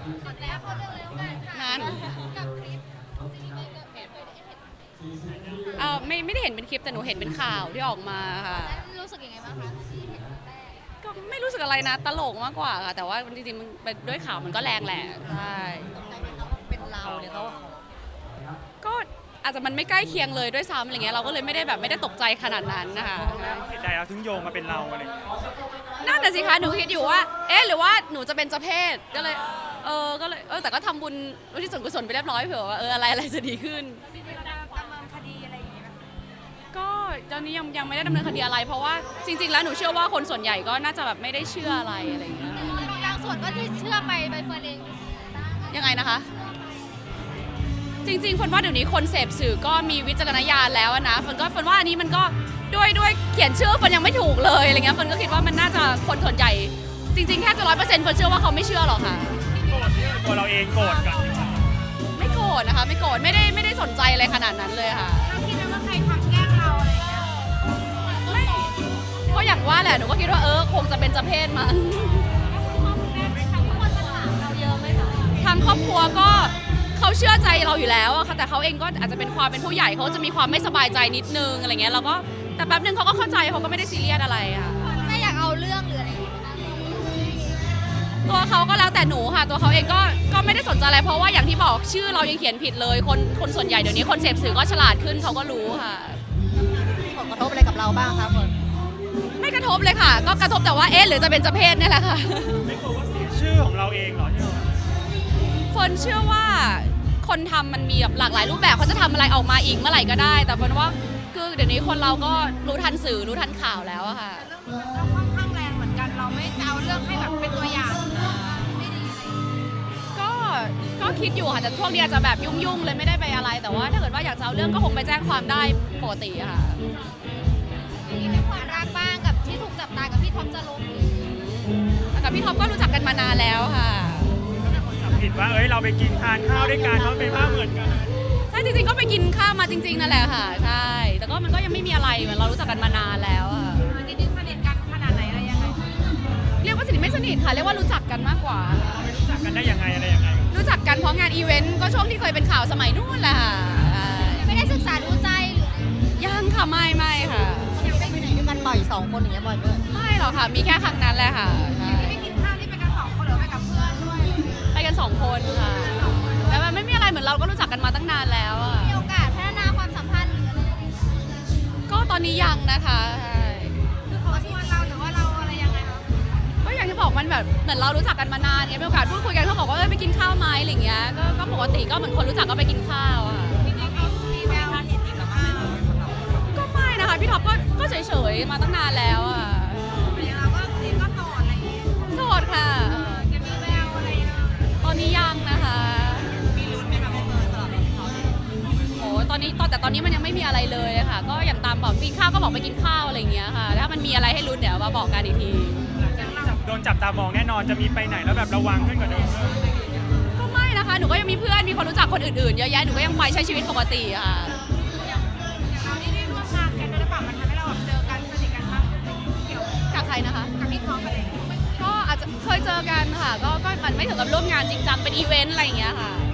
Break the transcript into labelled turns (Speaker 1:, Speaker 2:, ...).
Speaker 1: กดแล้วเข้าเรื่องเลยแล้วกันค่ะ
Speaker 2: นั่น
Speaker 1: กับคลิปจริงๆเลยเคยได้เห็น
Speaker 2: ไม่ได้เห็นเป็นคลิปแต่หนูเห็นเป็นข่าวที่ออกมาค่ะ
Speaker 1: แล้วรู้สึกยังไงบ้างคะที่เห็นครั้งแรก
Speaker 2: ก็ไม่รู้สึกอะไรนะตลกมากกว่าค่ะแต่ว่าจริงๆมันเป็นด้วยข่าวมันก็แรงแหละใช่
Speaker 1: ใจไหมคะว่าเป็นเราเนี่ยเขา
Speaker 2: ก็อาจจะมันไม่ใกล้เคียงเลยด้วยซ้ำอะไรเงี้ยเราก็เลยไม่ได้ตกใจขนาดนั้นนะคะ
Speaker 3: เหตุใดเราถึงโยงมาเป็นเราอะไรอย่างเงี้ย
Speaker 2: นั่นน่ะสิคะหนูคิดอยู่ว่าเอ๊ะหรือว่าหนูจะเป็นเจ้าเพศก็เลยแต่ก็ทำบุญอุทิศส่วนกุศลไปเรียบร้อยเผื่อว่าอะไรจะดีขึ้น
Speaker 1: จริงๆเราจะดำเนินคดีอะไรอย่างเงี้ยไหม
Speaker 2: ก็ตอนนี้ยังไม่ได้ดำเนินคดีอะไร เพราะว่าจริง ๆ แล้วหนูเชื่อว่าคนส่วนใหญ่ก็น่าจะแบบไม่ได้เชื่ออะไรอะไรอย่างเงี้ย
Speaker 1: บางส่วนก็ที่เชื่อไปใบเฟิร์นเอง
Speaker 2: ยังไงนะคะ จริงๆฝนว่าเดี๋ยวนี้คนเสพสื่อก็มีวิจารณญาณแล้วนะฝนว่าอันนี้มันก็ด้วยเขียนชื่อฝนยังไม่ถูกเลยอะไรเงี้ยฝนก็คิดว่ามันน่าจะคนส่วนใหญ่จริงๆแทบจะ100%ฝนเชื่อว่าเขาไม่เชื่อหรอกค่ะ
Speaker 3: โกรธที่ตัวเราเองโกรธกัน
Speaker 2: ไม่โกรธนะคะไม่โกรธไม่ได้สนใจอะไรขนาดนั้นเลยค่ะ
Speaker 1: เราคิดไหมว่าใครทำแกล้งเราอะไรอย่างเงี้ย
Speaker 2: ไม่ก็อย่างว่าแหละหนูก็คิดว่าคงจะเป็นเจ้าเพศมั้ง
Speaker 1: คุณพ่อคุณแม่ทั้งคนมาถามเราเยอะไหมคะ
Speaker 2: ทางครอบครัวก็เขาเชื่อใจเราอยู่แล้วอะค่ะแต่เขาเองก็อาจจะเป็นความเป็นผู้ใหญ่เขาจะมีความไม่สบายใจนิดนึงอะไรเงี้ยเราก็แต่แป๊บนึงเขาก็เข้าใจเขาก็ไม่ได้ซีเรียสอะไรค่ะ
Speaker 1: คุณแม่อยากเอาเรื่องหรืออะไรอย่างเงี้ย
Speaker 2: ตัวเขาก็แล้วแต่หนูค่ะตัวเขาเองก็ไม่ได้สนใจอะไรเพราะว่าอย่างที่บอกชื่อเรายังเขียนผิดเลยคนส่วนใหญ่เดี๋ยวนี้คนเสพสื่อก็ฉลาดขึ้นเขาก็รู้ค่ะ
Speaker 1: มีผลกระทบอะไรกับเราบ้างคะฝน
Speaker 2: ไม่กระทบเลยค่ะ ก็กระทบแต่ว่าหรือจะเป็นเจ้าเพศเนี่ยแหละค่ะ
Speaker 3: ไม่กลัวว่าเสียชื่อของเราเองเหรอที่เรา
Speaker 2: ฝนเชื่อว่าคนทำมันมีแบบหลากหลายรูปแบบเขาจะทำอะไรออกมาอีกเมื่อไหร่ก็ได้ แต่ฝนว่าคือเดี๋ยวนี้คนเราก็รู้ทันสื่อรู้ทันข่าวแล้วอะค่ะ
Speaker 1: เรื่องนี้มันก็ค่อนข้างแรงเหมือนกันเราไม่จะเอาเรื่องให้แบบเป็นตัวอย่างไม่ดีอะไรอย่างเงี้ย
Speaker 2: ก็คิดอยู่ค่ะแต่ช่วงนี้อาจจะแบบยุ่งๆเลยไม่ได้ไปอะไร แต่ว่าถ้าเกิดว่าอยากจะเอาเรื่องก็คงไปแจ้งความได้ปกติอะค่ะ
Speaker 1: อย่างนี้เป็นความรักบ้างกับที่ถูกจับตากับพี่ท็อปจรน
Speaker 2: แต่กับพี่ท็อปก็รู้จักกันมานานแล้วค่ะ
Speaker 3: จับผิดว่าเราไปกินทานข้าวด้วยกันเขาเป็นภาพเหมือนกัน
Speaker 2: ใช่จริงๆก็ไปกินข้าวมาจริงๆนั่นแหละค่ะใช่แต่ก็มันก็ยังไม่มีอะไรเหมือนเรารู้จักกันมานานแล้วอะ
Speaker 1: จริงๆสนิทกันขนาดไหนอะไรยังไง
Speaker 2: เรียกว่าสนิทไม่สนิทค่ะเรียกว่ารู้จักกันมากกว่า
Speaker 3: รู้จักกันได้ยังไงอะไรยังไง
Speaker 2: รู้จักกันเพราะงานอีเวนต์ก็ช่วงที่เคยเป็นข่าวสมัยนู้นแหละค่ะใช่
Speaker 1: ไม่ได้ศึกษาดูใจหรือ
Speaker 2: ยังค่ะไม่ค่ะ
Speaker 1: ยังไปไหนด้วยกันบ่อย2 คนอย่างเงี้ยบ่อยด้วย
Speaker 2: ไม่หรอกค่ะมีแค่ครั้งนั้นแหละค่ะใช่
Speaker 1: ไปกินข้าวที่ไปกัน2 คนหรือไปกับเพื่อนด้วย
Speaker 2: ไปกัน2 คนค่ะแต่มันไม่มีอะไรเหมือนเราก็รู้จักกันมาตั้งนานแล้วอะ
Speaker 1: มีโอกาสพัฒนาความสัมพันธ์หรืออะไร
Speaker 2: ก็ตอนนี้ยังนะคะใช่
Speaker 1: คือเขาชวนเราหรือว่าเราอะไรยังไงคะ
Speaker 2: ก็อย่างที่บอกมันแบบเหมือนเรารู้จักกันมานานเนี่ยมีโอกาสพูดคุยกันเขาบอกว่าไปกินข้าวไหมอะไรอย่างเงี้ยก็ปกติก็เหมือนคนรู้จักก็ไปกินข้าวอะค่ะ
Speaker 1: จริงๆเขามีแววจริงๆแล้วมั้ง
Speaker 2: ก็ไม่นะคะพี่ท็อปก็เฉยๆมาตั้งนานแล้วอะ
Speaker 1: เราก็จริงก็โสดอะไรอย่างเงี้ย
Speaker 2: โสดค่ะ
Speaker 1: จะมีแววอะไรยังไง
Speaker 2: ตอนนี้ยังนะคะ
Speaker 1: มีลุ้นไหมคะพี่เฟิร์นสำหรับเขา
Speaker 2: โอ้ตอนนี้มันยังไม่มีอะไรเลยอะค่ะ ก็อย่างตามบอกกินข้าวก็บอกไปกินข้าวอะไรอย่างเงี้ยค่ะ ถ้ามันมีอะไรให้ลุ้นเดี๋ยวมาบอกกันอีกที
Speaker 3: โดนจับตามองแน่นอนจะมีไปไหนแล้วแบบระวังขึ้นกว่าเดิม
Speaker 2: ก็ไม่นะคะ หนูก็ยังมีเพื่อนมีคนรู้จักคนอื่นๆเยอะแยะหนูก็ยังไปใช้ชีวิตปกติอะค่ะ
Speaker 1: อย่างเรานี่ได้ร่วมงานกันด้วยหรือเปล่ามันทำให้เราแบบเจอกันสนิทกันมากขึ้นเกี่ยว
Speaker 2: กับใครนะคะ
Speaker 1: กับพี่ท็อปอะไรอย่างเงี้ย
Speaker 2: ก็อาจจะเคยเจอกันค่ะ ก็มันไม่ถึงกับร่วมงานจริงจังเป็นอีเวนต์อะไรอย่างเงี้ยค่ะ